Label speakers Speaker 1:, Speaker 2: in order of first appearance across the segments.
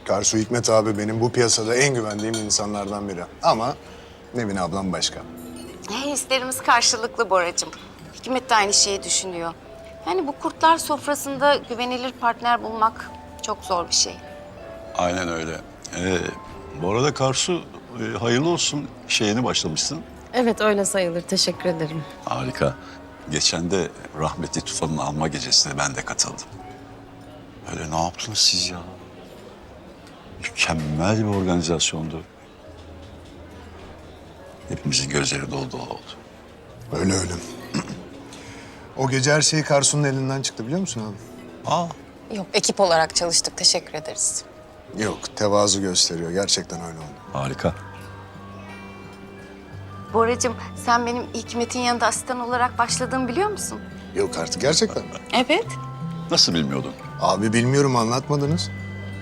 Speaker 1: Karsu Hikmet abi benim bu piyasada en güvendiğim insanlardan biri. Ama Nevin ablam başka.
Speaker 2: Hislerimiz karşılıklı Boracığım. Hikmet de aynı şeyi düşünüyor. Yani bu kurtlar sofrasında güvenilir partner bulmak çok zor bir şey.
Speaker 3: Aynen öyle. Bu arada Karsu hayırlı olsun, yeni başlamışsın.
Speaker 4: Evet öyle sayılır. Teşekkür ederim.
Speaker 3: Harika. Geçen de rahmetli Tufan'ın alma gecesine ben de katıldım. Öyle ne yaptınız siz ya? Mükemmel bir organizasyondu. Hepimizin gözleri dolu dolu oldu.
Speaker 1: Öyle öyle. O gece her şey Karsu'nun elinden çıktı biliyor musun abi?
Speaker 3: Aa,
Speaker 4: Yok ekip olarak çalıştık. Teşekkür ederiz.
Speaker 1: Yok, tevazu gösteriyor. Gerçekten öyle oldu.
Speaker 3: harika.
Speaker 2: Boracığım sen benim Hikmet'in yanında asistan olarak başladığımı biliyor musun?
Speaker 1: Yok artık gerçekten mi?
Speaker 2: Evet.
Speaker 3: Nasıl bilmiyordun?
Speaker 1: Abi bilmiyorum anlatmadınız.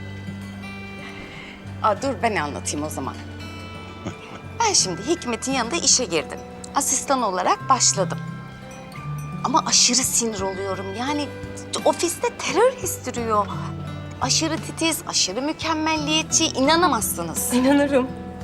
Speaker 2: Dur ben anlatayım o zaman. Ben şimdi Hikmet'in yanında işe girdim. Asistan olarak başladım. Ama aşırı sinir oluyorum. Yani ofiste terör estiriyor. Aşırı titiz, aşırı mükemmelliyetçi, inanamazsınız.
Speaker 4: İnanırım.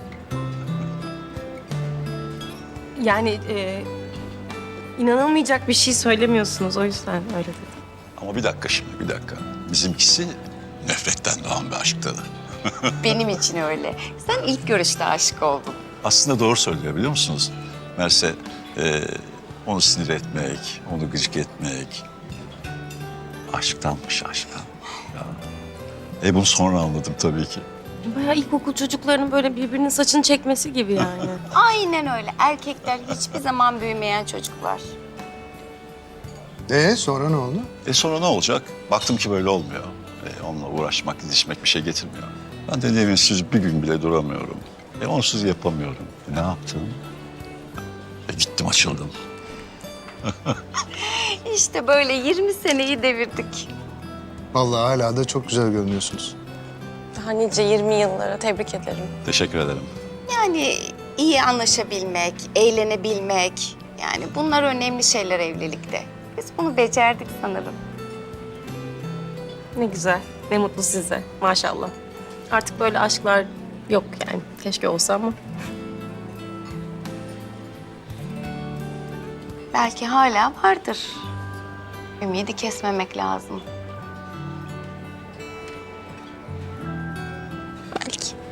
Speaker 4: Yani inanılmayacak bir şey söylemiyorsunuz. O yüzden öyle dedim.
Speaker 3: Ama bir dakika şimdi, bir dakika. Bizimkisi nefretten doğan bir aşktı.
Speaker 2: Benim için öyle. Sen ilk görüşte aşık oldun.
Speaker 3: Aslında doğru söylüyor biliyor musunuz? Merse onu sinir etmek, onu gıcık etmek aşktanmış aşktan. Ya. Bunu sonra anladım tabii ki.
Speaker 4: Bayağı ilkokul çocuklarının böyle birbirinin saçını çekmesi gibi yani.
Speaker 2: Aynen öyle. Erkekler hiçbir zaman büyümeyen çocuklar.
Speaker 1: Sonra ne oldu?
Speaker 3: Sonra ne olacak? Baktım ki böyle olmuyor. Onunla uğraşmak, didişmek bir şey getirmiyor. Ben de Nevinsiz bir gün bile duramıyorum. Onsuz yapamıyorum. Ne yaptım? Gittim açıldım.
Speaker 2: İşte böyle 20 seneyi devirdik.
Speaker 1: Vallahi hala da çok güzel görünüyorsunuz.
Speaker 4: Daha nice 20 yıllara tebrik ederim.
Speaker 3: Teşekkür ederim.
Speaker 2: Yani iyi anlaşabilmek, eğlenebilmek. Yani bunlar önemli şeyler evlilikte. Biz bunu becerdik sanırım.
Speaker 4: Ne güzel. Ne mutlu size. Maşallah. Artık böyle aşklar yok yani. Keşke olsa ama.
Speaker 2: Belki hala vardır. Ümidi kesmemek lazım.
Speaker 4: Belki.